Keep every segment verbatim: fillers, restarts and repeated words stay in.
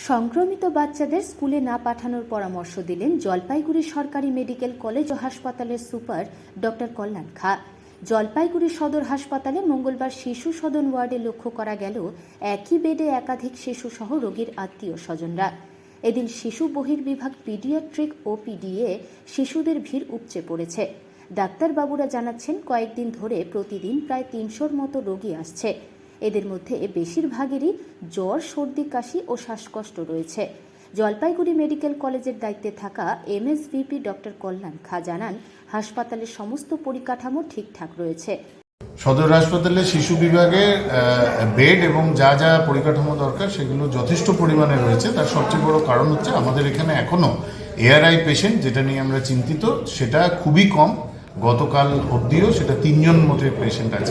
সংক্রমিত বাচ্চাদের স্কুলে না পাঠানোর পরামর্শ দিলেন জলপাইগুড়ি সরকারি মেডিকেল কলেজ ও হাসপাতালের সুপার ডক্টর কল্যাণ খা। জলপাইগুড়ি সদর হাসপাতালে মঙ্গলবার শিশু সদন ওয়ার্ডে লক্ষ্য করা গেল একই বেডে একাধিক শিশু সহ রোগীর আত্মীয় স্বজনরা। এদিন শিশু বহির্বিভাগ পিডিয়াট্রিক ও পিডিএ শিশুদের ভিড় উপচে পড়েছে। ডাক্তারবাবুরা জানাচ্ছেন, কয়েকদিন ধরে প্রতিদিন প্রায় তিনশোর মতো রোগী আসছে। এদের মধ্যে বেশিরভাগেরই জ্বর, সর্দি, কাশি ও শ্বাসকষ্ট রয়েছে। জলপাইগুড়ি মেডিকেল কলেজের দায়িত্বে থাকা এমএসভিপি ডক্টর কল্যাণ খা জানান, হাসপাতালের সমস্ত পরিকাঠামো ঠিকঠাক রয়েছে। সদর হাসপাতালে শিশু বিভাগে বেড এবং যা যা পরিকাঠামো দরকার সেগুলো যথেষ্ট পরিমাণে রয়েছে। তার সবচেয়ে বড় কারণ হচ্ছে আমাদের এখানে এখনও এআরআই পেশেন্ট, যেটা নিয়ে আমরা চিন্তিত, সেটা খুবই কম। গতকাল অবধিও সেটা তিনজন মতো পেশেন্ট আছে,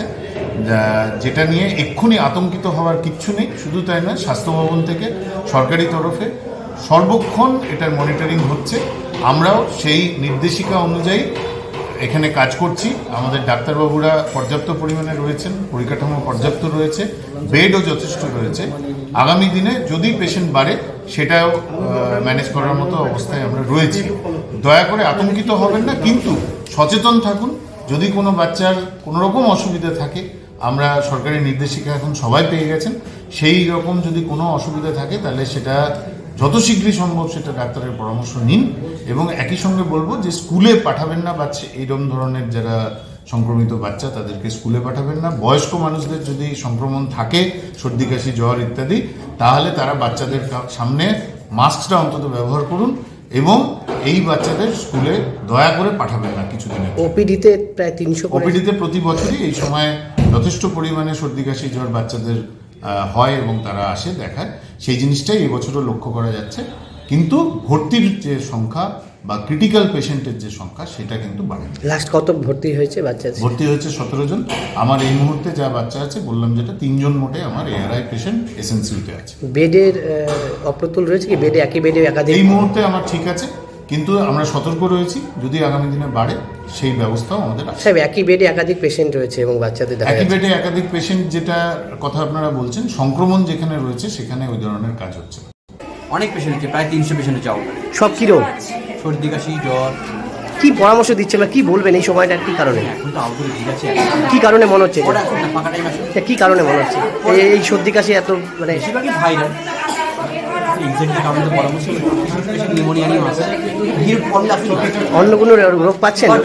যেটা নিয়ে এক্ষুনি আতঙ্কিত হওয়ার কিচ্ছু নেই। শুধু তাই নয়, স্বাস্থ্য ভবন থেকে সরকারি তরফে সর্বক্ষণ এটার মনিটরিং হচ্ছে। আমরাও সেই নির্দেশিকা অনুযায়ী এখানে কাজ করছি। আমাদের ডাক্তারবাবুরা পর্যাপ্ত পরিমাণে রয়েছেন, পরিকাঠামো পর্যাপ্ত রয়েছে, বেডও যথেষ্ট রয়েছে। আগামী দিনে যদি পেশেন্ট বাড়ে সেটাও ম্যানেজ করার মতো অবস্থায় আমরা রয়েছি। দয়া করে আতঙ্কিত হবেন না, কিন্তু সচেতন থাকুন। যদি কোনো বাচ্চার কোনো রকম অসুবিধা থাকে, আমরা সরকারি নির্দেশিকা এখন সবাই পেয়ে গেছেন, সেই রকম যদি কোনো অসুবিধা থাকে তাহলে সেটা যত শীঘ্রই সম্ভব সেটা ডাক্তারের পরামর্শ নিন। এবং একই সঙ্গে বলবো যে স্কুলে পাঠাবেন না বাচ্চা, এইরকম ধরনের যারা সংক্রমিত বাচ্চা তাদেরকে স্কুলে পাঠাবেন না। বয়স্ক মানুষদের যদি সংক্রমণ থাকে, সর্দি, কাশি, জ্বর ইত্যাদি, তাহলে তারা বাচ্চাদের সামনে মাস্কটা অন্তত ব্যবহার করুন এবং এই বাচ্চাদের স্কুলে দয়া করে পাঠাবেন না কিছুদিনের। ওপিডিতে প্রায় তিনশো ওপিডিতে প্রতি বছরই এই সময় যথেষ্ট পরিমাণে সর্দি, কাশি, জ্বর বাচ্চাদের হয় এবং তারা আসে দেখায়। সেই জিনিসটাই এবছরও লক্ষ্য করা যাচ্ছে, কিন্তু ভর্তির যে সংখ্যা বা ক্রিটিক্যাল পেশেন্টের যে সংখ্যা সেটা কিন্তু বাড়ে। লাস্ট কত ভর্তি হয়েছে বাচ্চা? ভর্তি হয়েছে সতেরো জন। আমার এই মুহূর্তে যা বাচ্চা আছে বললাম যেটা, তিনজন মোটে আমার এআরআই পেশেন্ট এসএনসিউতে আছে। বেডের অপ্রতুল রয়েছে কি? বেডে একই বেডে একাধিক? এই মুহূর্তে আমার ঠিক আছে, কিন্তু আমরা সতর্ক রয়েছি, যদি আগামী দিনে বাড়ে সেই ব্যবস্থাও আমাদের আছে। সাহেব, একই বেডে একাধিক পেশেন্ট রয়েছে এবং বাচ্চাদের দেখা একই বেডে একাধিক পেশেন্ট, যেটা কথা আপনারা বলছেন, সংক্রমণ যেখানে রয়েছে সেখানে ওই ধরনের কাজ হচ্ছে। অনেক পেশেন্ট হচ্ছে, প্রায় তিনশো পেশেন্ট হচ্ছে। সব কি রোগ? সর্দি, কাশি, জ্বর। কি পরামর্শ দিচ্ছে বা কি বলবেন এই সময়টা, কি কারণে? এখন তো আউটডোরে ভিড় আছে। কি কারণে মনে হচ্ছে? ওরা এখন না, ফাঁকা টাইম আছে। কি কারণে মনে হচ্ছে এই সর্দি কাশি এত? মানে বেশিরভাগই ভাইরাল। এক্সাক্টলি কারণে তো পরামর্শ নিউমোনিয়া নিয়ে আসে, ভিড় কমলে আসছে। অন্য কোনো রোগ পাচ্ছেন?